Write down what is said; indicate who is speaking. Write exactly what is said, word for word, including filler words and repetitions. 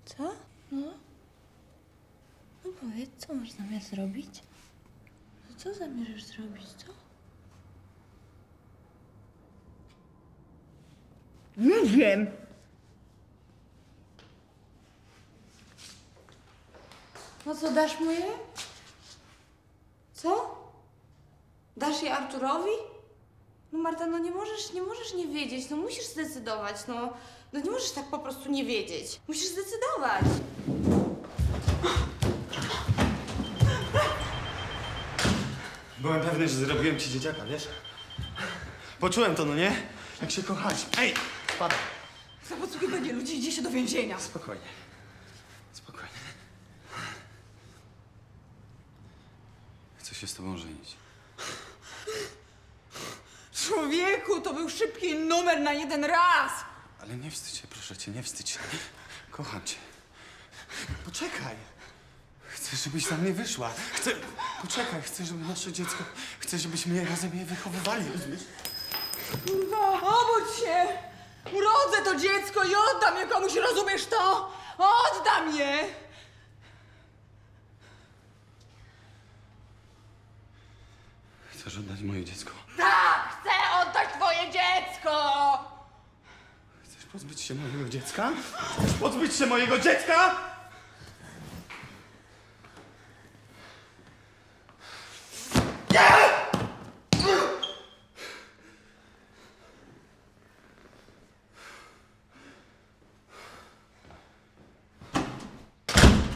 Speaker 1: Co? No? No powiedz, co masz zamiar zrobić? No co zamierzasz zrobić, co?
Speaker 2: Nie wiem.
Speaker 1: No co, dasz mu je? Co? Dasz je Arturowi? No Marta, no nie możesz, nie możesz nie wiedzieć, no musisz zdecydować, no. No nie możesz tak po prostu nie wiedzieć. Musisz zdecydować.
Speaker 3: Byłem pewny, że zrobiłem ci dzieciaka, wiesz? Poczułem to, no nie? Jak się kochać. Ej, spadaj.
Speaker 2: Za podsłuchiwanie ludzi idzie się do więzienia.
Speaker 3: Spokojnie. Spokojnie. Chcę się z tobą żenić.
Speaker 2: Człowieku, to był szybki numer na jeden raz.
Speaker 3: Ale nie wstydź się, proszę cię, nie wstydź się. Kocham cię. Poczekaj. Chcę, żebyś za mnie wyszła. Chcę... Poczekaj, chcę, żeby nasze dziecko... Chcę, żebyśmy razem je wychowywali, rozumiesz?
Speaker 2: Kurwa, obudź się! Urodzę to dziecko i oddam je komuś, rozumiesz to? Oddam je!
Speaker 3: Chcesz oddać moje dziecko?
Speaker 2: Tak, chcę oddać twoje dziecko!
Speaker 3: Chcesz pozbyć się mojego dziecka? Chcesz pozbyć się mojego dziecka? Nie!